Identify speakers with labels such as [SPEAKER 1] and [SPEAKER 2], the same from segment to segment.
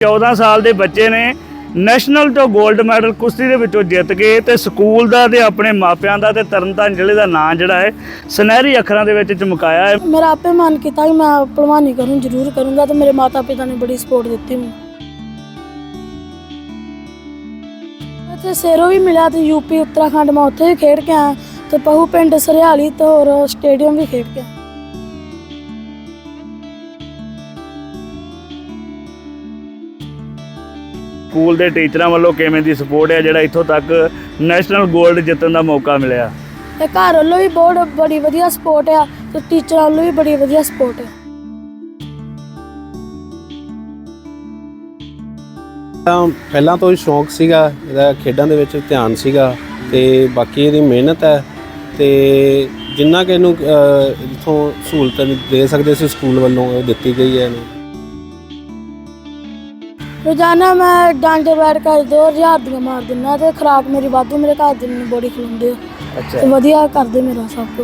[SPEAKER 1] 14 ਸਾਲ ਦੇ ਬੱਚੇ ਨੇ ਨੈਸ਼ਨਲ ਤੋਂ 골ਡ ਮੈਡਲ ਕੁਸ਼ਤੀ ਦੇ ਵਿੱਚੋਂ ਜਿੱਤ ਕੇ ਤੇ ਸਕੂਲ ਦਾ ਤੇ ਆਪਣੇ ਮਾਪਿਆਂ ਦਾ ਤੇ ਤਰਨਤਾਰਨ ਜ਼ਿਲ੍ਹੇ ਦਾ ਨਾਂ ਜਿਹੜਾ ਹੈ ਸੁਨਹਿਰੀ ਅੱਖਰਾਂ ਦੇ ਵਿੱਚ ਚਮਕਾਇਆ ਹੈ।
[SPEAKER 2] मेरा आपे मन किया कि मैं पहलवानी करूँ, जरूर करूँगा। तो मेरे माता पिता ने बड़ी सपोर्ट दी मैंने। शेरों भी मिला तो यूपी उत्तराखंड में उत्थे भी खेड के आया, तो पहू पिंड सरियाली तो और स्टेडियम भी खेड के आया।
[SPEAKER 1] ਸਕੂਲ ਦੇ ਟੀਚਰਾਂ ਵੱਲੋਂ ਕਿਵੇਂ ਦੀ ਸਪੋਰਟ ਹੈ ਜਿਹੜਾ ਇੱਥੋਂ ਤੱਕ ਨੈਸ਼ਨਲ 골ਡ ਜਿੱਤਣ ਦਾ ਮੌਕਾ ਮਿਲਿਆ?
[SPEAKER 2] ਤੇ ਘਰ ਵੱਲੋਂ ਵੀ ਬਹੁਤ ਬੜੀ ਵਧੀਆ ਸਪੋਰਟ ਆ ਤੇ ਟੀਚਰਾਂ ਵੱਲੋਂ ਵੀ ਬੜੀ ਵਧੀਆ ਸਪੋਰਟ ਆ।
[SPEAKER 3] ਪਹਿਲਾਂ ਤੋਂ ਹੀ ਸ਼ੌਂਕ ਸੀਗਾ ਇਹਦਾ, ਖੇਡਾਂ ਦੇ ਵਿੱਚ ਧਿਆਨ ਸੀਗਾ ਤੇ ਬਾਕੀ ਇਹਦੀ ਮਿਹਨਤ ਹੈ ਤੇ ਜਿੰਨਾ ਕਿ ਇਹਨੂੰ ਇੱਥੋਂ ਸਹੂਲਤ ਦੇ ਸਕਦੇ ਸੀ ਸਕੂਲ ਵੱਲੋਂ ਉਹ ਦਿੱਤੀ ਗਈ ਹੈ ਇਹਨੂੰ।
[SPEAKER 2] रोजाना मैं डांडे बैठ कर 2000 ਦੀਆਂ ਮਾਰ ਦਿੰਦਾ ਤੇ ਖਰਾਕ ਮੇਰੀ ਵਾਧੂ, ਮੇਰੇ ਘਰ ਦੇ ਮੈਨੂੰ ਬੜੀ ਖਿਲਾਉਂਦੇ ਆ। ਤੇ ਵਧੀਆ ਕਰਦੇ ਮੇਰਾ ਸਭ ਕੁਝ।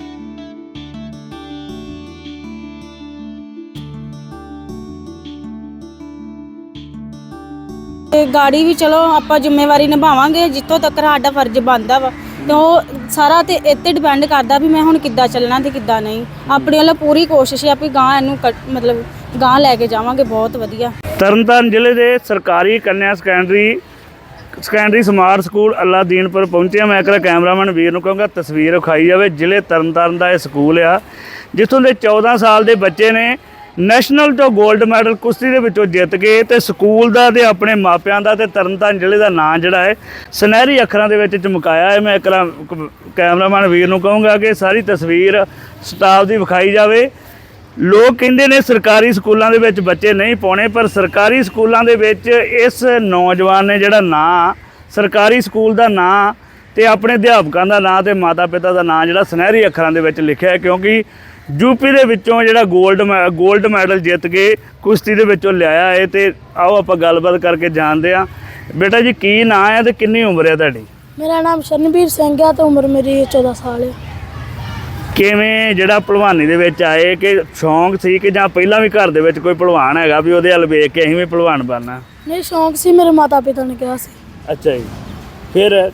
[SPEAKER 4] ਤੇ ਗਾੜੀ ਵੀ ਚਲੋ ਆਪਾਂ ਜ਼ਿੰਮੇਵਾਰੀ ਨਿਭਾਵਾਂਗੇ ਜਿੱਥੋਂ ਤੱਕ ਸਾਡਾ ਫਰਜ਼ ਬਣਦਾ ਵਾ, ਤੇ ਉਹ ਸਾਰਾ ਤੇ ਇੱਥੇ ਡਿਪੈਂਡ ਕਰਦਾ ਵੀ ਮੈਂ ਹੁਣ ਕਿੱਦਾਂ ਚੱਲਣਾ ਤੇ ਕਿੱਦਾਂ ਨਹੀਂ। ਆਪਣੇ ਵੱਲੋਂ ਪੂਰੀ ਕੋਸ਼ਿਸ਼ ਹੈ ਵੀ ਗਾਂ ਇਹਨੂੰ ਮਤਲਬ ਗਾਂ ਲੈ ਕੇ ਜਾਵਾਂਗੇ ਬਹੁਤ ਵਧੀਆ।
[SPEAKER 1] ਤਰਨਤਾਰਨ ਜ਼ਿਲ੍ਹੇ ਦੇ ਸਰਕਾਰੀ ਕੰਨਿਆ ਸੈਕੰਡਰੀ ਸਮਾਰਟ ਸਕੂਲ ਅੱਲਾਦੀਨਪੁਰ ਪਹੁੰਚਿਆ। ਮੈਂ ਇੱਕ ਕੈਮਰਾਮੈਨ ਵੀਰ ਨੂੰ ਕਹਾਂਗਾ ਤਸਵੀਰ ਵਿਖਾਈ ਜਾਵੇ। ਜ਼ਿਲ੍ਹੇ ਤਰਨਤਾਰਨ ਦਾ ਇਹ ਸਕੂਲ ਆ ਜਿੱਥੋਂ ਦੇ 14 ਸਾਲ ਦੇ ਬੱਚੇ ਨੇ ਨੈਸ਼ਨਲ ਤੋਂ 골ਡ ਮੈਡਲ ਕੁਸ਼ਤੀ ਦੇ ਵਿੱਚੋਂ ਜਿੱਤ ਕੇ ਤੇ ਸਕੂਲ ਦਾ ਤੇ ਆਪਣੇ ਮਾਪਿਆਂ ਦਾ ਤੇ ਤਰਨਤਾਰਨ ਜ਼ਿਲ੍ਹੇ ਦਾ ਨਾਂ ਜਿਹੜਾ ਹੈ ਸੁਨਹਿਰੀ ਅੱਖਰਾਂ ਦੇ ਵਿੱਚ ਚਮਕਾਇਆ ਹੈ। ਮੈਂ ਇੱਕ ਕੈਮਰਾਮੈਨ ਵੀਰ ਨੂੰ ਕਹਾਂਗਾ ਕਿ ਸਾਰੀ ਤਸਵੀਰ ਸਟਾਫ ਦੀ ਵਿਖਾਈ ਜਾਵੇ। ਲੋਕ ਕਹਿੰਦੇ ਨੇ ਸਰਕਾਰੀ ਸਕੂਲਾਂ ਦੇ ਵਿੱਚ ਬੱਚੇ ਨਹੀਂ ਪਾਉਣੇ, ਪਰ ਸਰਕਾਰੀ ਸਕੂਲਾਂ ਦੇ ਵਿੱਚ ਇਸ ਨੌਜਵਾਨ ਨੇ ਜਿਹੜਾ ਨਾਂ ਸਰਕਾਰੀ ਸਕੂਲ ਦਾ ਨਾਂ ਤੇ ਆਪਣੇ ਅਧਿਆਪਕਾਂ ਦਾ ਨਾਂ ਤੇ ਮਾਤਾ ਪਿਤਾ ਦਾ ਨਾਂ ਜਿਹੜਾ ਸੁਨਹਿਰੀ ਅੱਖਰਾਂ ਦੇ ਵਿੱਚ ਲਿਖਿਆ ਹੈ, ਕਿਉਂਕਿ ਯੂਪੀ ਦੇ ਵਿੱਚੋਂ ਜਿਹੜਾ 골ਡ ਮੈਡਲ ਜਿੱਤ ਕੇ ਕੁਸ਼ਤੀ ਦੇ ਵਿੱਚੋਂ ਲਿਆਇਆ ਹੈ। ਤੇ ਆਓ ਆਪਾਂ ਗੱਲਬਾਤ ਕਰਕੇ ਜਾਣਦੇ ਹਾਂ। ਬੇਟਾ ਜੀ ਕੀ ਨਾਂ ਹੈ ਤੇ ਕਿੰਨੀ ਉਮਰ ਹੈ ਤੁਹਾਡੀ?
[SPEAKER 2] ਮੇਰਾ ਨਾਮ ਸ਼ਰਨਵੀਰ ਸਿੰਘ ਆ ਤੇ ਉਮਰ ਮੇਰੀ 14 ਸਾਲ ਹੈ।
[SPEAKER 1] ਕਿਵੇਂ ਜਿਹੜਾ ਭਲਵਾਨੀ ਦੇ ਵਿੱਚ ਆਏ, ਕਿ ਸ਼ੌਂਕ ਸੀ ਕਿ ਜਾਂ ਪਹਿਲਾਂ ਵੀ ਘਰ ਦੇ ਵਿੱਚ ਕੋਈ ਭਲਵਾਨ ਹੈਗਾ ਵੀ ਉਹਦੇ ਵੱਲ ਵੇਖ ਕੇ ਅਸੀਂ ਵੀ ਭਲਵਾਨ ਬਣਨਾ?
[SPEAKER 2] ਨਹੀਂ, ਸ਼ੌਂਕ ਸੀ, ਮੇਰੇ ਮਾਤਾ ਪਿਤਾ ਨੇ ਕਿਹਾ ਸੀ।
[SPEAKER 1] ਅੱਛਾ ਜੀ। ਫਿਰ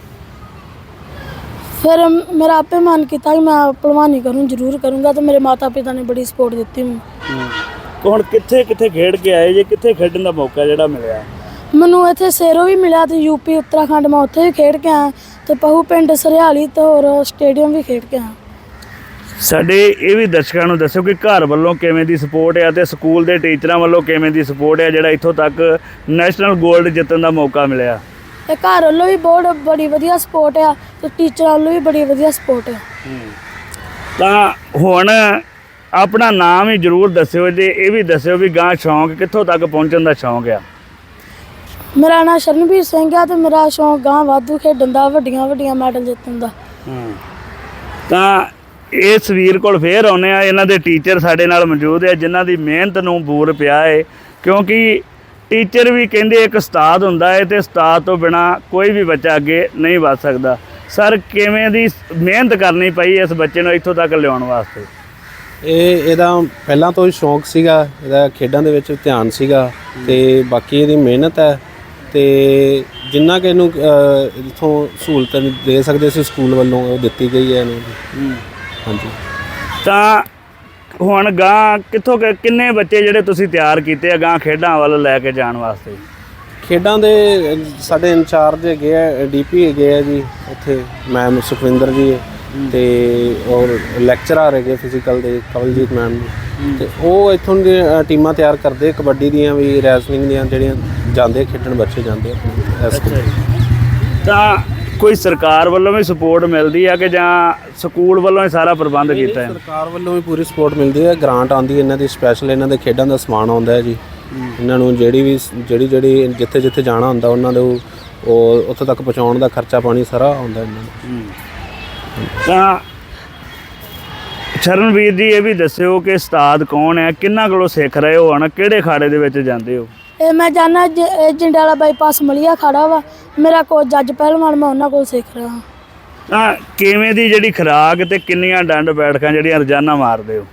[SPEAKER 2] मेरा आपे मन किया कि मैं पहलवानी करूँ, जरूर करूँगा। तो मेरे माता पिता ने बड़ी सपोर्ट दी मैंने।
[SPEAKER 1] ਹੁਣ ਕਿੱਥੇ ਖੇਡ ਕੇ ਆਏ ਜੇ, ਕਿੱਥੇ ਖੇਡਣ ਦਾ ਮੌਕਾ ਜਿਹੜਾ ਮਿਲਿਆ?
[SPEAKER 2] ਮੈਨੂੰ ਇੱਥੇ ਸ਼ੇਰੋਂ ਵੀ ਮਿਲਿਆ ਤੇ यूपी उत्तराखंड में ਉੱਥੇ ਵੀ ਖੇਡ ਕੇ ਆਇਆ, ਤੇ ਪਹੂ ਪਿੰਡ ਸਰਿਆਲੀ ਤੇ ਹੋਰ ਸਟੇਡੀਅਮ ਵੀ ਖੇਡ ਕੇ ਆਇਆ।
[SPEAKER 1] ਸਾਡੇ ਇਹ ਵੀ ਦਰਸ਼ਕਾਂ ਨੂੰ ਦੱਸੋ ਕਿ ਘਰ ਵੱਲੋਂ ਕਿਵੇਂ ਦੀ ਸਪੋਰਟ ਹੈ ਤੇ ਸਕੂਲ ਦੇ ਟੀਚਰਾਂ ਵੱਲੋਂ ਕਿਵੇਂ ਦੀ ਸਪੋਰਟ ਹੈ ਜਿਹੜਾ ਇੱਥੋਂ ਤੱਕ ਨੈਸ਼ਨਲ 골ਡ ਜਿੱਤਣ ਦਾ ਮੌਕਾ ਮਿਲਿਆ?
[SPEAKER 2] ਤੇ ਘਰ ਵੱਲੋਂ ਵੀ ਬਹੁਤ ਬੜੀ ਵਧੀਆ ਸਪੋਰਟ ਆ ਤੇ ਟੀਚਰਾਂ ਵੱਲੋਂ ਵੀ ਬੜੀ ਵਧੀਆ ਸਪੋਰਟ ਆ।
[SPEAKER 1] ਤਾਂ ਹੁਣ ਆਪਣਾ ਨਾਮ ਹੀ ਜ਼ਰੂਰ ਦੱਸਿਓ ਤੇ ਇਹ ਵੀ ਦੱਸਿਓ ਵੀ ਗਾਂ ਸ਼ੌਂਕ ਕਿੱਥੋਂ ਤੱਕ ਪਹੁੰਚਣ ਦਾ ਸ਼ੌਂਕ ਆ?
[SPEAKER 2] ਮੇਰਾ ਨਾਮ ਸ਼ਰਨਵੀਰ ਸਿੰਘ ਆ ਤੇ ਮੇਰਾ ਸ਼ੌਂਕ ਗਾਂ ਵਾਧੂ ਖੇਡਣ ਦਾ, ਵੱਡੀਆਂ ਮੈਡਲ ਜਿੱਤਣ ਦਾ।
[SPEAKER 1] ਤਾਂ ਇਸ ਵੀਰ ਕੋਲ ਫੇਰ ਆਉਂਦੇ ਆ। ਇਹਨਾਂ ਦੇ ਟੀਚਰ ਸਾਡੇ ਨਾਲ ਮੌਜੂਦ ਹੈ ਜਿਨ੍ਹਾਂ ਦੀ ਮਿਹਨਤ ਨੂੰ ਬੂਰ ਪਿਆ ਹੈ, ਕਿਉਂਕਿ ਟੀਚਰ ਵੀ ਕਹਿੰਦੇ ਇੱਕ ਉਸਤਾਦ ਹੁੰਦਾ ਹੈ ਤੇ ਉਸਤਾਦ ਤੋਂ ਬਿਨਾ ਕੋਈ ਵੀ ਬੱਚਾ ਅੱਗੇ ਨਹੀਂ ਵੱਧ ਸਕਦਾ। ਸਰ ਕਿਵੇਂ ਦੀ ਮਿਹਨਤ ਕਰਨੀ ਪਈ ਇਸ ਬੱਚੇ ਨੂੰ ਇੱਥੋਂ ਤੱਕ ਲਿਆਉਣ ਵਾਸਤੇ?
[SPEAKER 3] ਇਹਦਾ ਪਹਿਲਾਂ ਤੋਂ ਹੀ ਸ਼ੌਂਕ ਸੀਗਾ ਇਹਦਾ, ਖੇਡਾਂ ਦੇ ਵਿੱਚ ਧਿਆਨ ਸੀਗਾ ਤੇ ਬਾਕੀ ਇਹਦੀ ਮਿਹਨਤ ਹੈ ਤੇ ਜਿੰਨਾ ਕਿ ਇਹਨੂੰ ਇੱਥੋਂ ਸਹੂਲਤ ਦੇ ਸਕਦੇ ਸੀ ਸਕੂਲ ਵੱਲੋਂ ਉਹ ਦਿੱਤੀ ਗਈ ਹੈ ਇਹਨੂੰ। ਹਾਂਜੀ। ਤਾਂ
[SPEAKER 1] ਹੁਣ ਗਾਂ ਕਿੱਥੋਂ ਕਿੰਨੇ ਬੱਚੇ ਜਿਹੜੇ ਤੁਸੀਂ ਤਿਆਰ ਕੀਤੇ ਆ ਗਾਂ ਖੇਡਾਂ ਵੱਲ ਲੈ ਕੇ ਜਾਣ ਵਾਸਤੇ?
[SPEAKER 3] ਖੇਡਾਂ ਦੇ ਸਾਡੇ ਇੰਚਾਰਜ ਹੈਗੇ ਆ, ਡੀਪੀ ਹੈਗੇ ਆ ਜੀ ਉੱਥੇ ਮੈਮ ਸੁਖਵਿੰਦਰ ਜੀ, ਤੇ ਔਰ ਲੈਕਚਰਰ ਹੈਗੇ ਫਿਜ਼ੀਕਲ ਦੇ ਕਵਲਜੀਤ ਮੈਮ, ਤੇ ਉਹ ਇੱਥੋਂ ਦੀਆਂ ਟੀਮਾਂ ਤਿਆਰ ਕਰਦੇ ਕਬੱਡੀ ਦੀਆਂ ਵੀ, ਰੈਸਲਿੰਗ ਦੀਆਂ, ਜਿਹੜੀਆਂ ਜਾਂਦੇ ਖੇਡਣ ਬੱਚੇ ਜਾਂਦੇ ਆ।
[SPEAKER 1] ਤਾਂ ਕੋਈ ਸਰਕਾਰ ਵੱਲੋਂ ਵੀ ਸਪੋਰਟ ਮਿਲਦੀ ਆ ਕਿ ਜਾਂ ਸਕੂਲ ਵੱਲੋਂ ਹੀ ਸਾਰਾ ਪ੍ਰਬੰਧ ਕੀਤਾ ਹੈ?
[SPEAKER 3] ਸਰਕਾਰ ਵੱਲੋਂ ਵੀ ਪੂਰੀ ਸਪੋਰਟ ਮਿਲਦੀ ਹੈ, ਗ੍ਰਾਂਟ ਆਉਂਦੀ ਹੈ ਇਹਨਾਂ ਦੀ ਸਪੈਸ਼ਲ, ਇਹਨਾਂ ਦੇ ਖੇਡਾਂ ਦਾ ਸਮਾਨ ਆਉਂਦਾ ਹੈ ਜੀ। ਇਹਨਾਂ ਨੂੰ ਜਿਹੜੀ ਜਿੱਥੇ ਜਾਣਾ ਹੁੰਦਾ ਉਹਨਾਂ ਦੇ ਉਹ ਉੱਥੇ ਤੱਕ ਪਹੁੰਚਾਉਣ ਦਾ ਖਰਚਾ ਪਾਣੀ ਸਾਰਾ ਆਉਂਦਾ ਇਹਨਾਂ ਨੂੰ।
[SPEAKER 1] ਤਾਂ ਸ਼ਰਨਵੀਰ ਜੀ ਇਹ ਵੀ ਦੱਸਿਓ ਕਿ ਉਸਤਾਦ ਕੌਣ ਹੈ, ਕਿੰਨਾ ਕੋਲੋਂ ਸਿੱਖ ਰਹੇ ਹੋ, ਹੁਣ ਕਿਹੜੇ ਅਖਾੜੇ ਦੇ ਵਿੱਚ ਜਾਂਦੇ ਹੋ?
[SPEAKER 2] ਇਹ ਮੈਂ ਜਾਣਾ ਜੰਡਿਆਲਾ ਬਾਈਪਾਸ ਮਲੀਆ ਖਾੜਾ ਵਾ, ਮੇਰਾ ਕੋਚ ਜੱਜ ਪਹਿਲਵਾਨ, ਮੈਂ ਉਹਨਾਂ ਕੋਲ ਸਿੱਖ ਰਿਹਾ।
[SPEAKER 1] ਤਾਂ ਕਿਵੇਂ ਦੀ ਜਿਹੜੀ ਖੁਰਾਕ ਤੇ ਕਿੰਨੀਆਂ ਡੰਡ ਬੈਠਕਾਂ ਜਿਹੜੀਆਂ ਰੋਜ਼ਾਨਾ ਮਾਰਦੇ ਹੋ?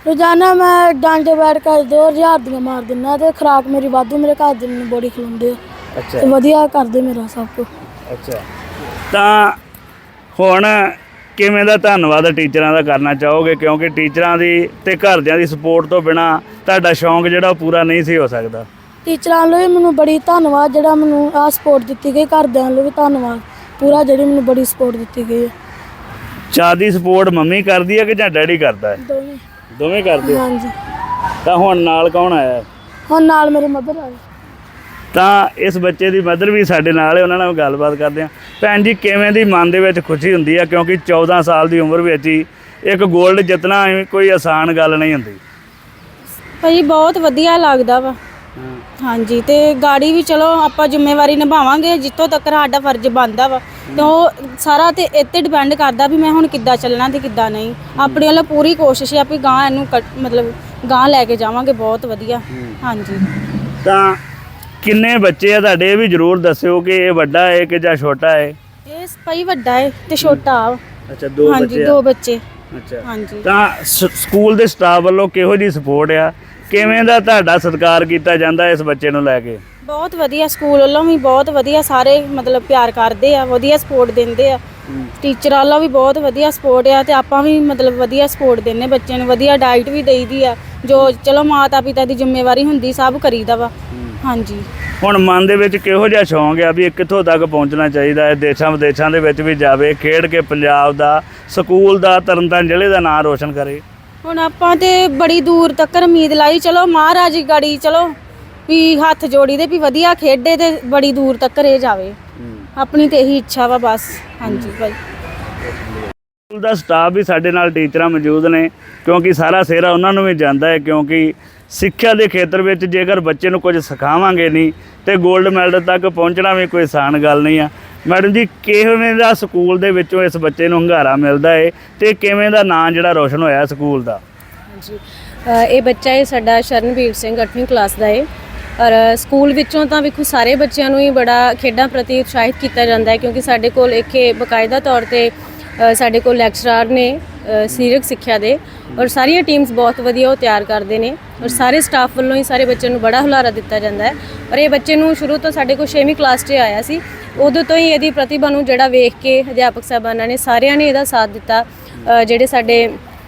[SPEAKER 2] ਰੋਜ਼ਾਨਾ ਮੈਂ ਡਾਂਡੇ ਬੈਠ ਕੇ 2000 ਦੀਆਂ ਮਾਰ ਦਿੰਦਾ ਤੇ ਖੁਰਾਕ ਮੇਰੀ ਵਾਧੂ, ਮੇਰੇ ਘਰ ਦੇ ਮੈਨੂੰ ਬੜੀ ਖਿਲਾਉਂਦੇ ਆ
[SPEAKER 1] ਅੱਛਾ
[SPEAKER 2] ਤੇ ਵਧੀਆ ਕਰਦੇ ਮੇਰਾ ਸਭ ਕੁਝ।
[SPEAKER 1] ਅੱਛਾ, ਤਾਂ ਹੁਣ ਕਿਵੇਂ ਦਾ ਧੰਨਵਾਦ ਟੀਚਰਾਂ ਦਾ ਕਰਨਾ ਚਾਹੋਗੇ, ਕਿਉਂਕਿ ਟੀਚਰਾਂ ਦੀ ਤੇ ਘਰਦਿਆਂ ਦੀ ਸਪੋਰਟ ਤੋਂ ਬਿਨਾ ਤੁਹਾਡਾ ਸ਼ੌਂਕ ਜਿਹੜਾ ਉਹ ਪੂਰਾ ਨਹੀਂ ਸੀ ਹੋ ਸਕਦਾ।
[SPEAKER 2] ਟੀਚਰਾਂ ਵੱਲੋਂ ਵੀ ਮੈਨੂੰ ਬੜੀ ਧੰਨਵਾਦ, ਜਿਹੜਾ ਮੈਨੂੰ ਆਹ ਸਪੋਰਟ ਦਿੱਤੀ ਗਈ, ਘਰਦਿਆਂ ਵੱਲੋਂ ਵੀ ਧੰਨਵਾਦ ਪੂਰਾ, ਜਿਹੜੀ ਮੈਨੂੰ ਬੜੀ ਸਪੋਰਟ ਦਿੱਤੀ ਗਈ ਹੈ।
[SPEAKER 1] ਜ਼ਿਆਦਾ ਸਪੋਰਟ ਮੰਮੀ ਕਰਦੀ ਹੈ ਕਿ ਜਾਂ ਡੈਡੀ ਕਰਦਾ ਹੈ?
[SPEAKER 2] ਦੋਵੇਂ।
[SPEAKER 1] ਦੋਵੇਂ ਕਰਦੇ ਆ?
[SPEAKER 2] ਹਾਂਜੀ।
[SPEAKER 1] ਤਾਂ ਹੁਣ ਨਾਲ ਕੌਣ ਆਇਆ?
[SPEAKER 2] ਹੁਣ ਨਾਲ ਮੇਰੇ ਮਦਰ ਆਏ।
[SPEAKER 1] ਤਾਂ ਇਸ ਬੱਚੇ ਦੀ ਮਦਰ ਵੀ ਸਾਡੇ ਨਾਲ ਹੈ, ਉਹਨਾਂ ਨਾਲ ਗੱਲਬਾਤ ਕਰਦੇ ਹਾਂ। ਭੈਣ ਜੀ, ਕਿਵੇਂ ਦੀ ਮਨ ਦੇ ਵਿੱਚ ਖੁਸ਼ੀ ਹੁੰਦੀ ਹੈ, ਕਿਉਂਕਿ 14 ਸਾਲ ਦੀ ਉਮਰ ਵਿੱਚ ਹੀ ਇੱਕ 골ਡ ਜਿੱਤਣਾ ਕੋਈ ਆਸਾਨ ਗੱਲ ਨਹੀਂ ਹੁੰਦੀ।
[SPEAKER 4] ਭਾਜੀ ਬਹੁਤ ਵਧੀਆ ਲੱਗਦਾ ਵਾ। ਹਾਂਜੀ, ਤੇ ਗਾੜੀ ਵੀ ਚਲੋ ਆਪਾਂ ਜ਼ਿੰਮੇਵਾਰੀ ਨਿਭਾਵਾਂਗੇ ਜਿੱਥੋਂ ਤੱਕ ਸਾਡਾ ਫਰਜ਼ ਬਣਦਾ ਵਾ, ਤੇ ਉਹ ਸਾਰਾ ਤੇ ਇੱਥੇ ਡਿਪੈਂਡ ਕਰਦਾ ਵੀ ਮੈਂ ਹੁਣ ਕਿੱਦਾਂ ਚੱਲਣਾ ਤੇ ਕਿੱਦਾਂ ਨਹੀਂ। ਆਪਣੇ ਵੱਲੋਂ ਪੂਰੀ ਕੋਸ਼ਿਸ਼ ਹੈ ਵੀ ਗਾਂ ਇਹਨੂੰ ਮਤਲਬ ਗਾਂ ਲੈ ਕੇ ਜਾਵਾਂਗੇ ਬਹੁਤ ਵਧੀਆ। ਹਾਂਜੀ।
[SPEAKER 1] ਤਾਂ ਕਿੰਨੇ ਬੱਚੇ ਆ ਤੁਹਾਡੇ, ਇਹ ਵੀ ਜ਼ਰੂਰ ਦੱਸਿਓ ਕਿ ਇਹ ਵੱਡਾ ਹੈ ਕਿ ਜਾਂ ਛੋਟਾ ਹੈ?
[SPEAKER 4] ਇਹ ਭਾਈ ਵੱਡਾ ਹੈ ਤੇ ਛੋਟਾ ਆ।
[SPEAKER 1] ਅੱਛਾ, ਦੋ
[SPEAKER 4] ਹਾਂਜੀ,
[SPEAKER 1] ਬੱਚੇ ਆ।
[SPEAKER 4] 2 ਬੱਚੇ।
[SPEAKER 1] ਅੱਛਾ।
[SPEAKER 4] ਹਾਂਜੀ।
[SPEAKER 1] ਤਾਂ ਸਕੂਲ ਦੇ ਸਟਾਫ ਵੱਲੋਂ ਕਿਹੋ ਜਿਹੀ ਸਪੋਰਟ ਆ, ਕਿਵੇਂ ਦਾ ਤੁਹਾਡਾ ਸਤਿਕਾਰ ਕੀਤਾ ਜਾਂਦਾ ਇਸ ਬੱਚੇ ਨੂੰ ਲੈ ਕੇ?
[SPEAKER 4] ਬਹੁਤ ਵਧੀਆ, ਸਕੂਲ ਵੱਲੋਂ ਵੀ ਬਹੁਤ ਵਧੀਆ, ਸਾਰੇ ਮਤਲਬ ਪਿਆਰ ਕਰਦੇ ਆ, ਵਧੀਆ ਸਪੋਰਟ ਦਿੰਦੇ ਆ। ਟੀਚਰ ਵੱਲੋਂ ਵੀ ਬਹੁਤ ਵਧੀਆ ਸਪੋਰਟ ਆ ਤੇ ਆਪਾਂ ਵੀ ਮਤਲਬ ਵਧੀਆ ਸਪੋਰਟ ਦਿੰਦੇ ਬੱਚਿਆਂ ਨੂੰ, ਵਧੀਆ ਡਾਈਟ ਵੀ ਦੇਈਦੀ ਆ, ਜੋ ਚਲੋ ਮਾਤਾ ਪਿਤਾ ਦੀ ਜ਼ਿੰਮੇਵਾਰੀ ਹੁੰਦੀ ਸਭ ਕਰੀਦਾ ਵਾ। ਹਾਂਜੀ।
[SPEAKER 1] ਹੁਣ ਮਨ ਦੇ ਵਿੱਚ ਕਿਹੋ ਜਿਹਾ ਸ਼ੌਂਕ ਆ ਵੀ ਇਹ ਕਿੱਥੋਂ ਤੱਕ ਪਹੁੰਚਣਾ ਚਾਹੀਦਾ ਹੈ, ਦੇਸ਼ਾਂ ਵਿਦੇਸ਼ਾਂ ਦੇ ਵਿੱਚ ਵੀ ਜਾਵੇ, ਖੇਡ ਕੇ ਪੰਜਾਬ ਦਾ, ਸਕੂਲ ਦਾ, ਤਰਨਤਾਰਨ ਜ਼ਿਲ੍ਹੇ ਦਾ ਨਾਂ ਰੋਸ਼ਨ ਕਰੇ?
[SPEAKER 4] ਹੁਣ ਆਪਾਂ ਤੇ ਬੜੀ ਦੂਰ ਤੱਕ ਉਮੀਦ ਲਾਈ, ਚਲੋ ਮਹਾਰਾਜ ਗਾੜੀ ਚਲੋ ਵੀ ਹੱਥ ਜੋੜੀ ਦੇ ਵੀ ਵਧੀਆ ਖੇਡੇ ਤੇ ਬੜੀ ਦੂਰ ਤੱਕ ਇਹ ਜਾਵੇ, ਆਪਣੀ ਤੇ ਇਹੀ ਇੱਛਾ ਵਾ ਬਸ। ਹਾਂਜੀ ਭਾਈ।
[SPEAKER 1] ਸਕੂਲ ਦਾ ਸਟਾਫ ਵੀ ਸਾਡੇ ਨਾਲ ਟੀਚਰਾਂ ਮੌਜੂਦ ਨੇ, ਕਿਉਂਕਿ ਸਾਰਾ ਸਿਹਰਾ ਉਹਨਾਂ ਨੂੰ ਵੀ ਜਾਂਦਾ ਹੈ, ਕਿਉਂਕਿ ਸਿੱਖਿਆ ਦੇ ਖੇਤਰ ਵਿੱਚ ਜੇਕਰ ਬੱਚੇ ਨੂੰ ਕੁਝ ਸਿਖਾਵਾਂਗੇ ਨਹੀਂ ਤੇ 골ਡ ਮੈਡਲ ਤੱਕ ਪਹੁੰਚਣਾ ਵੀ ਕੋਈ ਆਸਾਨ ਗੱਲ ਨਹੀਂ ਆ। ਮੈਡਮ ਜੀ, ਕਿਵੇਂ ਦਾ ਸਕੂਲ ਦੇ ਵਿੱਚੋਂ ਇਸ ਬੱਚੇ ਨੂੰ ਹੁੰਗਾਰਾ ਮਿਲਦਾ ਹੈ ਤੇ ਕਿਵੇਂ ਦਾ ਨਾਂ ਜਿਹੜਾ ਰੋਸ਼ਨ ਹੋਇਆ ਸਕੂਲ ਦਾ?
[SPEAKER 5] ਹਾਂਜੀ, ਇਹ ਬੱਚਾ ਹੈ ਸਾਡਾ ਸ਼ਰਨਵੀਰ ਸਿੰਘ, 8ਵੀਂ ਕਲਾਸ ਦਾ ਹੈ। ਔਰ ਸਕੂਲ ਵਿੱਚੋਂ ਤਾਂ ਵੇਖੋ ਸਾਰੇ ਬੱਚਿਆਂ ਨੂੰ ਹੀ ਬੜਾ ਖੇਡਾਂ ਪ੍ਰਤੀ ਉਤਸ਼ਾਹਿਤ ਕੀਤਾ ਜਾਂਦਾ ਹੈ, ਕਿਉਂਕਿ ਸਾਡੇ ਕੋਲ ਇੱਕ ਬਕਾਇਦਾ ਤੌਰ ਤੇ ਸਾਡੇ ਕੋਲ ਲੈਕਚਰਰ ਨੇ ਸਰੀਰਕ ਸਿੱਖਿਆ ਦੇ, ਔਰ ਸਾਰੀਆਂ ਟੀਮਸ ਬਹੁਤ ਵਧੀਆ ਉਹ ਤਿਆਰ ਕਰਦੇ ਨੇ, ਔਰ ਸਾਰੇ ਸਟਾਫ ਵੱਲੋਂ ਹੀ ਸਾਰੇ ਬੱਚਿਆਂ ਨੂੰ ਬੜਾ ਹੁਲਾਰਾ ਦਿੱਤਾ ਜਾਂਦਾ ਹੈ। ਔਰ ਇਹ ਬੱਚੇ ਨੂੰ ਸ਼ੁਰੂ ਤੋਂ ਸਾਡੇ ਕੋਲ 6ਵੀਂ ਕਲਾਸ 'ਚ ਆਇਆ ਸੀ, ਉਦੋਂ ਤੋਂ ਹੀ ਇਹਦੀ ਪ੍ਰਤਿਭਾ ਨੂੰ ਜਿਹੜਾ ਵੇਖ ਕੇ ਅਧਿਆਪਕ ਸਾਹਿਬਾਨਾਂ ਨੇ ਸਾਰਿਆਂ ਨੇ ਇਹਦਾ ਸਾਥ ਦਿੱਤਾ। ਜਿਹੜੇ ਸਾਡੇ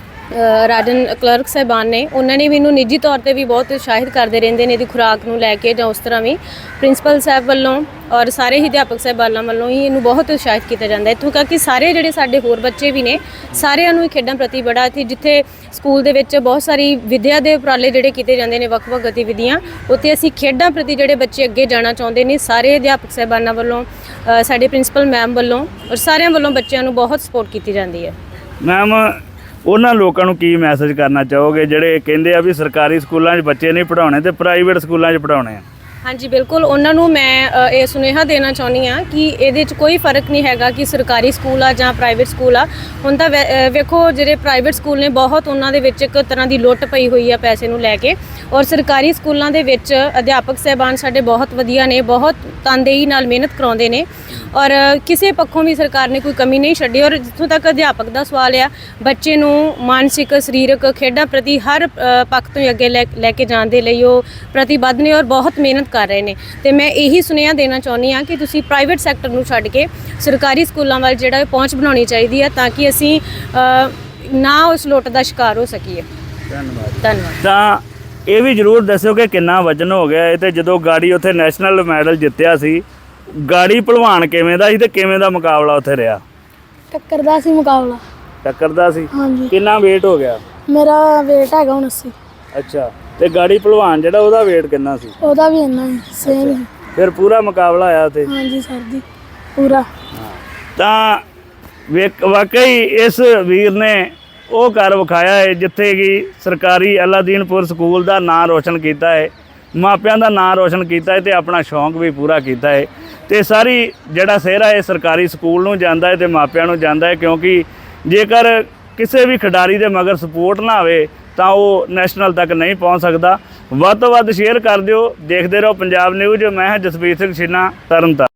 [SPEAKER 5] ਰਾਜਨ ਕਲਰਕ ਸਾਹਿਬਾਨ ਨੇ, ਉਹਨਾਂ ਨੇ ਵੀ ਇਹਨੂੰ ਨਿੱਜੀ ਤੌਰ ਤੇ ਵੀ ਬਹੁਤ ਉਤਸ਼ਾਹਿਤ ਕਰਦੇ ਰਹਿੰਦੇ ਨੇ ਇਹਦੀ ਖੁਰਾਕ ਨੂੰ ਲੈ ਕੇ, ਜਾਂ ਉਸ ਤਰ੍ਹਾਂ ਵੀ ਪ੍ਰਿੰਸੀਪਲ ਸਾਹਿਬ ਵੱਲੋਂ ਔਰ ਸਾਰੇ ਹੀ ਅਧਿਆਪਕ ਸਾਹਿਬਾਨਾਂ ਵੱਲੋਂ ਹੀ ਇਹਨੂੰ ਬਹੁਤ ਉਤਸ਼ਾਹਿਤ ਕੀਤਾ ਜਾਂਦਾ ਹੈ। ਇੱਥੋਂ ਤੱਕ ਕਿ ਸਾਰੇ ਜਿਹੜੇ ਸਾਡੇ ਹੋਰ ਬੱਚੇ ਵੀ ਨੇ, ਸਾਰਿਆਂ ਨੂੰ ਹੀ ਖੇਡਾਂ ਪ੍ਰਤੀ ਬੜਾ ਸੀ। ਜਿੱਥੇ ਸਕੂਲ ਦੇ ਵਿੱਚ ਬਹੁਤ ਸਾਰੀ ਵਿੱਦਿਆ ਦੇ ਉਪਰਾਲੇ ਜਿਹੜੇ ਕੀਤੇ ਜਾਂਦੇ ਨੇ, ਵੱਖ-ਵੱਖ ਗਤੀਵਿਧੀਆਂ, ਉੱਥੇ ਅਸੀਂ ਖੇਡਾਂ ਪ੍ਰਤੀ ਜਿਹੜੇ ਬੱਚੇ ਅੱਗੇ ਜਾਣਾ ਚਾਹੁੰਦੇ ਨੇ, ਸਾਰੇ ਅਧਿਆਪਕ ਸਾਹਿਬਾਨਾਂ ਵੱਲੋਂ, ਸਾਡੇ ਪ੍ਰਿੰਸੀਪਲ ਮੈਮ ਵੱਲੋਂ ਔਰ ਸਾਰਿਆਂ ਵੱਲੋਂ ਬੱਚਿਆਂ ਨੂੰ ਬਹੁਤ ਸਪੋਰਟ ਕੀਤੀ ਜਾਂਦੀ ਹੈ।
[SPEAKER 1] ਮੈਮ, ਉਹਨਾਂ ਲੋਕਾਂ ਨੂੰ ਕੀ ਮੈਸੇਜ ਕਰਨਾ ਚਾਹੋਗੇ ਜਿਹੜੇ ਕਹਿੰਦੇ ਆ ਵੀ ਸਰਕਾਰੀ ਸਕੂਲਾਂ 'ਚ ਬੱਚੇ ਨਹੀਂ ਪੜ੍ਹਾਉਣੇ ਤੇ ਪ੍ਰਾਈਵੇਟ ਸਕੂਲਾਂ 'ਚ ਪੜ੍ਹਾਉਣੇ ਆ?
[SPEAKER 5] ਹਾਂਜੀ, ਬਿਲਕੁਲ, ਉਹਨਾਂ ਨੂੰ ਮੈਂ ਇਹ ਸੁਨੇਹਾ ਦੇਣਾ ਚਾਹੁੰਦੀ ਹਾਂ ਕਿ ਇਹਦੇ 'ਚ ਕੋਈ ਫਰਕ ਨਹੀਂ ਹੈਗਾ ਕਿ ਸਰਕਾਰੀ ਸਕੂਲ ਆ ਜਾਂ ਪ੍ਰਾਈਵੇਟ ਸਕੂਲ ਆ। ਹੁਣ ਤਾਂ ਵੇਖੋ ਜਿਹੜੇ ਪ੍ਰਾਈਵੇਟ ਸਕੂਲ ਨੇ, ਬਹੁਤ ਉਹਨਾਂ ਦੇ ਵਿੱਚ ਇੱਕ ਤਰ੍ਹਾਂ ਦੀ ਲੁੱਟ ਪਈ ਹੋਈ ਆ ਪੈਸੇ ਨੂੰ ਲੈ ਕੇ, ਔਰ ਸਰਕਾਰੀ ਸਕੂਲਾਂ ਦੇ ਵਿੱਚ ਅਧਿਆਪਕ ਸਾਹਿਬਾਨ ਸਾਡੇ ਬਹੁਤ ਵਧੀਆ ਨੇ, ਬਹੁਤ ਤਨਦੇਹੀ ਨਾਲ ਮਿਹਨਤ ਕਰਾਉਂਦੇ ਨੇ, ਔਰ ਕਿਸੇ ਪੱਖੋਂ ਵੀ ਸਰਕਾਰ ਨੇ ਕੋਈ ਕਮੀ ਨਹੀਂ ਛੱਡੀ। ਔਰ ਜਿੱਥੋਂ ਤੱਕ ਅਧਿਆਪਕ ਦਾ ਸਵਾਲ ਆ, ਬੱਚੇ ਨੂੰ ਮਾਨਸਿਕ, ਸਰੀਰਕ, ਖੇਡਾਂ ਪ੍ਰਤੀ ਹਰ ਪੱਖ ਤੋਂ ਅੱਗੇ ਲੈ ਕੇ ਜਾਣ ਦੇ ਲਈ ਉਹ ਪ੍ਰਤੀਬੱਧ ਨੇ ਔਰ ਬਹੁਤ ਮਿਹਨਤ ਕਰ ਰਹੇ ਨੇ। ਤੇ ਮੈਂ ਇਹੀ ਸੁਨੇਹਾ ਦੇਣਾ ਚਾਹੁੰਦੀ ਹਾਂ ਕਿ ਤੁਸੀਂ ਪ੍ਰਾਈਵੇਟ ਸੈਕਟਰ ਨੂੰ ਛੱਡ ਕੇ ਸਰਕਾਰੀ ਸਕੂਲਾਂ ਵੱਲ ਜਿਹੜਾ ਪਹੁੰਚ ਬਣਾਉਣੀ ਚਾਹੀਦੀ ਹੈ, ਤਾਂ ਕਿ ਅਸੀਂ ਨਾ ਉਸ ਲੁੱਟ ਦਾ ਸ਼ਿਕਾਰ ਹੋ ਸਕੀਏ। ਧੰਨਵਾਦ।
[SPEAKER 1] ਤਾਂ ਇਹ ਵੀ ਜ਼ਰੂਰ ਦੱਸਿਓ ਕਿ ਕਿੰਨਾ ਵਜਨ ਹੋ ਗਿਆ ਇਹ, ਤੇ ਜਦੋਂ ਗਾੜੀ ਉੱਥੇ ਨੈਸ਼ਨਲ ਮੈਡਲ ਜਿੱਤਿਆ ਸੀ, ਗਾੜੀ ਭਲਵਾਨ ਕਿਵੇਂ ਦਾ ਸੀ ਤੇ ਕਿਵੇਂ ਦਾ ਮੁਕਾਬਲਾ ਉੱਥੇ ਰਿਹਾ?
[SPEAKER 2] ਟੱਕਰ ਦਾ ਸੀ ਮੁਕਾਬਲਾ।
[SPEAKER 1] ਟੱਕਰ ਦਾ ਸੀ?
[SPEAKER 2] ਹਾਂਜੀ।
[SPEAKER 1] ਕਿੰਨਾ weight ਹੋ ਗਿਆ?
[SPEAKER 2] ਮੇਰਾ weight ਹੈਗਾ 79।
[SPEAKER 1] ਅੱਛਾ, ਤੇ ਗਾੜੀ ਭਲਵਾਨ ਜਿਹੜਾ ਉਹਦਾ weight ਕਿੰਨਾ ਸੀ?
[SPEAKER 2] ਉਹਦਾ ਵੀ ਇੰਨਾ ਹੀ ਸੇਮ ਹੀ।
[SPEAKER 1] ਫਿਰ ਪੂਰਾ ਮੁਕਾਬਲਾ ਆਇਆ ਤੇ?
[SPEAKER 2] ਹਾਂਜੀ ਸਰ ਜੀ, ਪੂਰਾ।
[SPEAKER 1] ਤਾਂ ਵਾਕਈ ਇਸ ਵੀਰ ਨੇ ਉਹ ਕਰ ਵਿਖਾਇਆ ਹੈ ਜਿੱਥੇ ਕਿ ਸਰਕਾਰੀ ਅਲਾਦੀਨਪੁਰ ਸਕੂਲ ਦਾ ਨਾਂ ਰੋਸ਼ਨ ਕੀਤਾ ਹੈ, ਮਾਪਿਆਂ ਦਾ ਨਾਂ ਰੋਸ਼ਨ ਕੀਤਾ ਹੈ ਤੇ ਆਪਣਾ ਸ਼ੌਂਕ ਵੀ ਪੂਰਾ ਕੀਤਾ ਹੈ। ਤੇ ਸਾਰੀ ਜਿਹੜਾ ਸਿਹਰਾ ਹੈ ਸਰਕਾਰੀ ਸਕੂਲ ਨੂੰ ਜਾਂਦਾ ਹੈ ਤੇ ਮਾਪਿਆਂ ਨੂੰ ਜਾਂਦਾ ਹੈ, ਕਿਉਂਕਿ ਜੇਕਰ ਕਿਸੇ ਵੀ ਖਿਡਾਰੀ ਦੇ ਮਗਰ ਸਪੋਰਟ ਨਾ ਹੋਵੇ ਤਾਂ ਉਹ ਨੈਸ਼ਨਲ ਤੱਕ ਨਹੀਂ ਪਹੁੰਚ ਸਕਦਾ। ਵੱਧ ਤੋਂ ਵੱਧ ਸ਼ੇਅਰ ਕਰ ਦਿਓ। ਦੇਖਦੇ ਰਹੋ ਪੰਜਾਬ ਨਿਊਜ਼। ਮੈਂ ਹਾਂ ਜਸਵੀਰ ਸਿੰਘ ਛੀਨਾ, ਤਰਨਤਾਰਨ।